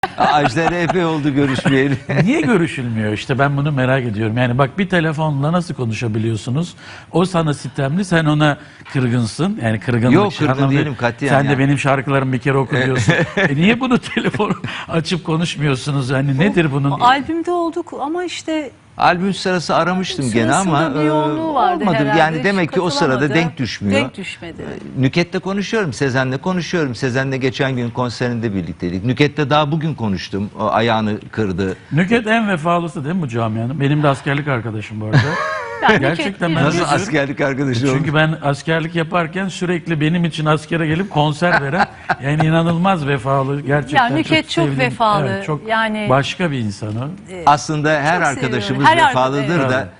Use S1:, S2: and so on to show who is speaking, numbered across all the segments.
S1: Ajda epey oldu görüşmeyeli.
S2: Niye görüşülmüyor işte, ben bunu merak ediyorum. Yani bak, bir telefonla nasıl konuşabiliyorsunuz? O sana sitemli, sen ona kırgınsın. Yani kırgınlık.
S1: Yok, kırgın
S2: anlamda-
S1: değilim katiyen
S2: Sen
S1: yani.
S2: de benim şarkılarımı bir kere oku diyorsun. Niye bunu telefonu açıp konuşmuyorsunuz? Yani nedir bunun?
S3: Albümde olduk ama işte
S1: Albüm sırası aramıştım gene ama
S3: sırasında bir yoğunluğu vardı
S1: olmadı.
S3: herhalde.
S1: Yani demek ki o sırada
S3: Katılamadı.
S1: denk düşmüyor.
S3: Denk düşmedi.
S1: Nüket'le konuşuyorum, Sezen'le konuşuyorum. Sezen'le geçen gün konserinde birlikteydik. Nüket'le daha bugün konuştum. O ayağını kırdı.
S2: Nükhet en vefalısı değil mi bu camianın? Benim de askerlik arkadaşım bu arada.
S3: Yani
S2: Gerçekten
S3: Nükhet-
S2: ben
S1: Nasıl
S2: diyorum.
S1: askerlik arkadaşı oldu?
S2: Çünkü ben askerlik yaparken sürekli benim için askere gelip konser veren, yani inanılmaz vefalı, gerçekten
S3: Ya Nükhet çok
S2: sevdiğim-
S3: vefalı,
S2: evet, çok
S3: yani-
S2: başka bir insan o.
S1: Aslında her
S3: Çok
S1: arkadaşımız
S3: seviyorum. Her
S1: vefalıdır
S3: arkadaş,
S1: da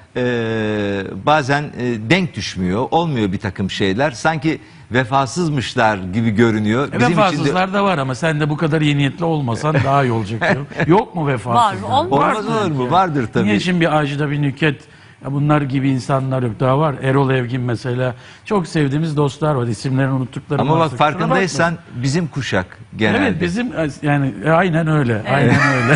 S1: bazen denk düşmüyor. Olmuyor bir takım şeyler. Sanki vefasızmışlar gibi görünüyor. Bizim için de
S2: Vefasızlar da var ama sen de bu kadar iyi niyetli olmasan daha iyi olacak. Yok mu vefasızlar?
S3: Var,
S1: olmaz olur mu? Vardır tabii.
S2: Niye şimdi bir Ajda, bir Nükhet, ya bunlar gibi insanlar yok? Daha var. Erol Evgin mesela. Çok sevdiğimiz dostlar var. İsimlerini unuttuklarım
S1: Ama
S2: varsa
S1: bak,
S2: kusura
S1: farkındaysan bizim kuşak genelde.
S2: Evet, bizim yani aynen öyle. Aynen öyle.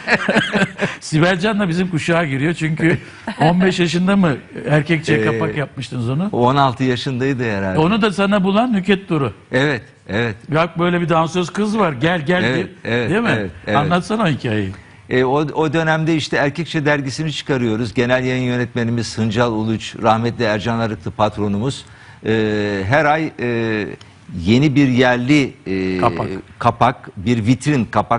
S2: Sibel Can da bizim kuşağa giriyor çünkü 15 yaşında mı erkekçe kapak yapmıştınız onu?
S1: 16 yaşındaydı herhalde.
S2: Onu da sana bulan Nükhet Duru.
S1: Evet, evet.
S2: Bak, böyle bir dansöz kız var. Gel
S1: Evet,
S2: diye.
S1: evet,
S2: Değil mi?
S1: evet, evet.
S2: Anlatsana o hikayeyi.
S1: O dönemde işte Erkekçe dergisini çıkarıyoruz. Genel yayın yönetmenimiz Hıncal Uluç, rahmetli Ercan Arıklı patronumuz. Her ay yeni bir yerli kapak, bir vitrin kapak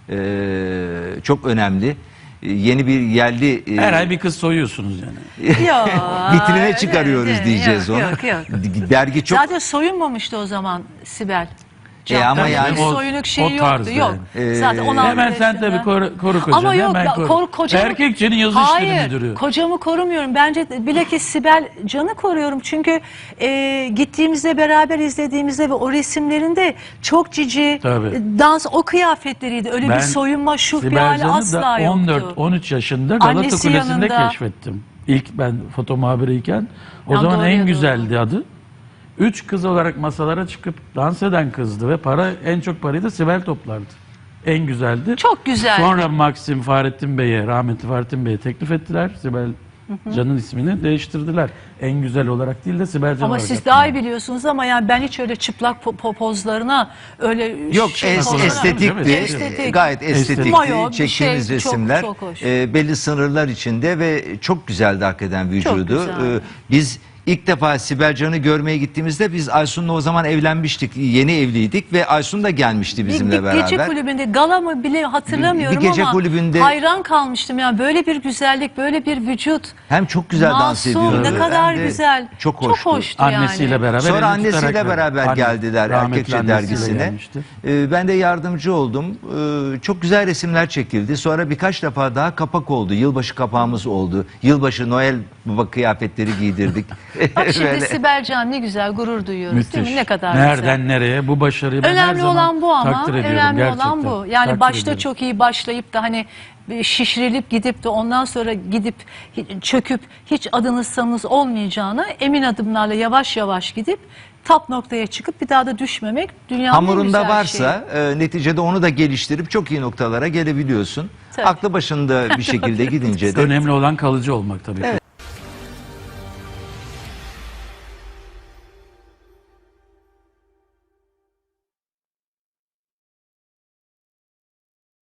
S1: çok önemli. Yeni bir yerli
S2: Her ay bir kız soyuyorsunuz yani.
S3: Yok.
S1: vitrine çıkarıyoruz diyeceğiz onu.
S3: Yok.
S1: Dergi çok
S3: Zaten soyunmamıştı o zaman Sibel.
S1: ama
S3: Tabii
S1: yani
S3: bir
S2: o-
S3: soyunuk şeyi
S2: o tarz
S3: yoktu. Yok.
S1: yani.
S3: Zaten 16
S2: Hemen sen tabii koru kocanı.
S3: Ama yok,
S2: hemen koru.
S3: kocamı...
S2: Erkekçenin yazı işleri müdürü.
S3: Hayır, kocamı korumuyorum. Bence bilakis Sibel Can'ı koruyorum. Çünkü gittiğimizde, beraber izlediğimizde ve o resimlerinde çok cici,
S2: Tabii.
S3: dans, o kıyafetleriydi. Öyle bir soyunma, şu bir
S2: Sibel
S3: hali
S2: Can'ı
S3: asla
S2: da
S3: yoktu.
S2: 14-13 yaşında Galata
S3: Annesi
S2: Kulesi'nde
S3: yanında.
S2: keşfettim. İlk ben foto muhabiriyken. O
S3: Ya
S2: zaman
S3: doğru,
S2: en
S3: doğru.
S2: güzeldi adı. 3 kız olarak masalara çıkıp dans eden kızdı ve en çok parayı da Sibel toplardı. En güzeldi.
S3: Çok güzel.
S2: Sonra Maxim Fahrettin Bey'e, rahmetli Fahrettin Bey'e teklif ettiler. Sibel Can'ın ismini değiştirdiler. En güzel olarak değil de Sibel Can
S3: Ama
S2: olarak
S3: siz
S2: yaptılar.
S3: daha iyi biliyorsunuz ama yani ben hiç öyle çıplak pozlarına öyle
S1: yok,
S3: pozlarına-
S1: estetikti.
S3: Estetik.
S1: Gayet estetikti.
S3: Mayo, bir
S1: Çektiğimiz
S3: şey,
S1: resimler
S3: çok hoş.
S1: belli sınırlar içinde ve çok güzeldi hakikaten vücudu.
S3: güzeldi.
S1: Biz ilk defa Sibel Can'ı görmeye gittiğimizde biz Aysun'la o zaman evlenmiştik. Yeni evliydik ve Aysun da gelmişti bizimle
S3: bir
S1: beraber.
S3: gece kulübünde, gala mı bile hatırlamıyorum
S1: Bir gece
S3: ama
S1: kulübünde-
S3: hayran kalmıştım. Yani böyle bir güzellik, böyle bir vücut.
S1: Hem çok güzel dans
S3: Masum,
S1: ediyordu.
S3: ne kadar
S1: hem de
S3: güzel.
S1: Çok hoştu.
S2: Annesiyle
S3: yani.
S2: beraber.
S1: Sonra
S2: elini
S1: annesiyle
S2: tutarak
S1: beraber
S2: Anne-
S1: geldiler
S2: rahmetli
S1: Erkekçe
S2: annesiyle
S1: dergisine.
S2: gelmişti.
S1: Ben de yardımcı oldum. Çok güzel resimler çekildi. Sonra birkaç defa daha kapak oldu. Yılbaşı kapağımız oldu. Yılbaşı Noel Baba kıyafetleri giydirdik.
S3: Bak şimdi
S1: Böyle.
S3: Sibel Can ne güzel gurur duyuyoruz değil mi? Ne kadar
S2: Nereden
S3: güzel.
S2: nereye bu başarıyı ben her
S3: Önemli
S2: zaman
S3: olan bu ama.
S2: takdir ediyorum
S3: Önemli
S2: gerçekten.
S3: olan bu. Yani
S2: Takdir
S3: başta
S2: ediyorum.
S3: çok iyi başlayıp da hani şişirilip gidip de ondan sonra gidip çöküp hiç adınız sanınız olmayacağına emin adımlarla yavaş yavaş gidip top noktaya çıkıp bir daha da düşmemek dünyanın en
S1: Hamurunda
S3: güzel
S1: varsa neticede onu da geliştirip çok iyi noktalara gelebiliyorsun.
S3: Tabii.
S1: Aklı başında bir şekilde gidince de
S2: Önemli olan kalıcı olmak tabii.